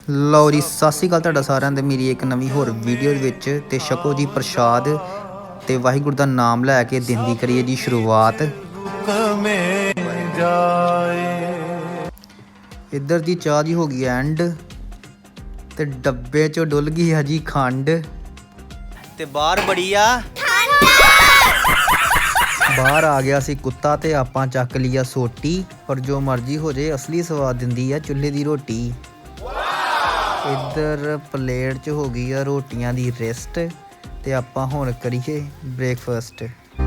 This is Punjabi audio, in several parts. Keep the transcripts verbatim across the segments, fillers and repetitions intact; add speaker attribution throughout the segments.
Speaker 1: ਲਓ ਜੀ, ਸਤਿ ਸ਼੍ਰੀ ਅਕਾਲ ਤੁਹਾਡਾ ਸਾਰਿਆਂ ਦੇ ਮੇਰੀ ਇੱਕ ਨਵੀਂ ਹੋਰ ਵੀਡੀਓ ਦੇ ਵਿੱਚ। ਤੇ ਛਕੋ ਜੀ ਪ੍ਰਸ਼ਾਦ ਤੇ ਵਾਹਿਗੁਰੂ ਦਾ ਨਾਮ ਲੈ ਕੇ ਦਿਨ ਦੀ ਕਰੀਏ ਜੀ ਸ਼ੁਰੂਆਤ। ਇੱਧਰ ਦੀ ਚਾਹ ਜੀ ਹੋ ਗਈ ਐਂਡ ਤੇ ਡੱਬੇ ਚੋਂ ਡੁੱਲ ਗਈ ਹੈ ਜੀ ਖੰਡ ਤੇ ਬਾਹਰ ਬੜੀ ਆ ਬਾਹਰ ਆ ਗਿਆ ਸੀ ਕੁੱਤਾ ਤੇ ਆਪਾਂ ਚੱਕ ਲਿਆ ਸੋਟੀ। ਪਰ ਜੋ ਮਰਜ਼ੀ ਹੋ ਜੇ ਅਸਲੀ ਸਵਾਦ ਦਿੰਦੀ ਆ ਚੁੱਲ੍ਹੇ ਦੀ ਰੋਟੀ। ਇੱਧਰ ਪਲੇਟ 'ਚ ਹੋ ਗਈ ਆ ਰੋਟੀਆਂ ਦੀ ਰਿਸਟ ਤੇ ਆਪਾਂ ਹੁਣ ਕਰੀਏ ਬ੍ਰੇਕਫਾਸਟ।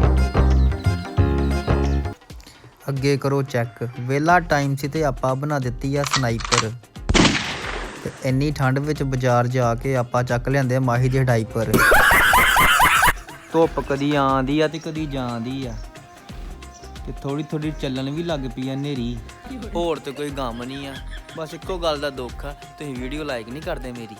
Speaker 1: ਅੱਗੇ ਕਰੋ ਚੈੱਕ, ਵੇਲਾ ਟਾਈਮ ਸੀ ਤੇ ਆਪਾਂ ਬਣਾ ਦਿੱਤੀ ਆ ਸਨਾਈਪਰ। ਤੇ ਇੰਨੀ ਠੰਡ ਵਿੱਚ ਬਾਜ਼ਾਰ ਜਾ ਕੇ ਆਪਾਂ ਚੱਕ ਲਿਆਂਦੇ ਮਾਹੀ ਦੇ ਡਾਈਪਰ। ਧੁੱਪ ਕਦੀ ਆਉਂਦੀ ਆ ਤੇ ਕਦੀ ਜਾਂਦੀ ਆ ਤੇ ਥੋੜੀ ਥੋੜੀ ਚੱਲਣ ਵੀ ਲੱਗ ਪਈ ਆ ਹਨੇਰੀ। ਹੋਰ ਤੇ ਕੋਈ ਗਮ ਨਹੀਂ ਆ, ਬਸ ਇੱਕੋ ਗੱਲ ਦਾ ਦੁੱਖ ਆ, ਤੁਸੀਂ ਵੀਡੀਓ ਲਾਈਕ ਨਹੀਂ ਕਰਦੇ ਮੇਰੀ।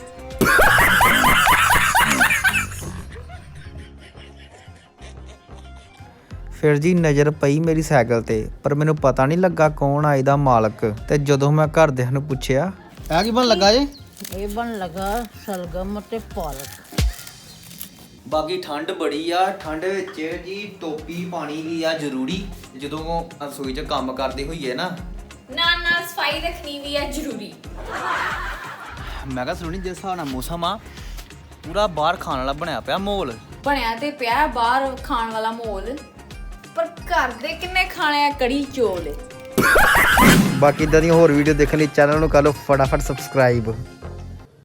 Speaker 1: ਫਿਰ ਜੀ ਨਜ਼ਰ ਪਈ ਮੇਰੀ ਸਾਈਕਲ ਤੇ, ਪਰ ਮੈਨੂੰ ਪਤਾ ਨਹੀਂ ਲੱਗਾ ਕੌਣ ਆ ਇਹਦਾ ਮਾਲਕ। ਤੇ ਜਦੋਂ ਮੈਂ ਘਰਦਿਆਂ ਨੂੰ ਪੁੱਛਿਆ ਇਹ ਕੀ ਬਣ ਲੱਗਾ ਜੀ,
Speaker 2: ਇਹ ਬਣ ਲੱਗਾ ਸਲਗਮ ਤੇ ਪਾਲਕ।
Speaker 1: ਬਾਕੀ ਠੰਡ ਬੜੀ ਆ, ਠੰਡ ਵਿੱਚ ਜੀ ਟੋਪੀ ਪਾਣੀ ਵੀ ਆ ਜ਼ਰੂਰੀ। ਜਦੋਂ ਰਸੋਈ 'ਚ ਕੰਮ ਕਰਦੇ ਹੋਈਏ ਨਾ,
Speaker 3: ਨਾਲ ਨਾਲ ਸਫਾਈ ਰੱਖਣੀ ਵੀ ਆ ਜ਼ਰੂਰੀ।
Speaker 1: ਮੈਂ ਕਿਹਾ ਸੁਣੀ ਜਿਸ ਹਿਸਾਬ ਨਾਲ ਮੌਸਮ ਆ ਪੂਰਾ ਬਾਹਰ ਖਾਣ ਵਾਲਾ ਬਣਿਆ ਪਿਆ ਮਾਹੌਲ।
Speaker 3: ਬਣਿਆ ਤੇ ਪਿਆ ਬਾਹਰ ਖਾਣ ਵਾਲਾ ਮਾਹੌਲ, ਪਰ ਘਰ ਦੇ ਕਿੰਨੇ ਖਾਣੇ ਆ ਕੜੀ ਚੋਲ।
Speaker 1: ਬਾਕੀ ਇਦਾਂ ਦੀਆਂ ਹੋਰ ਵੀਡੀਓ ਦੇਖਣ ਲਈ ਚੈਨਲ ਨੂੰ ਕਰ ਲਓ ਫਟਾਫਟ ਸਬਸਕ੍ਰਾਈਬ।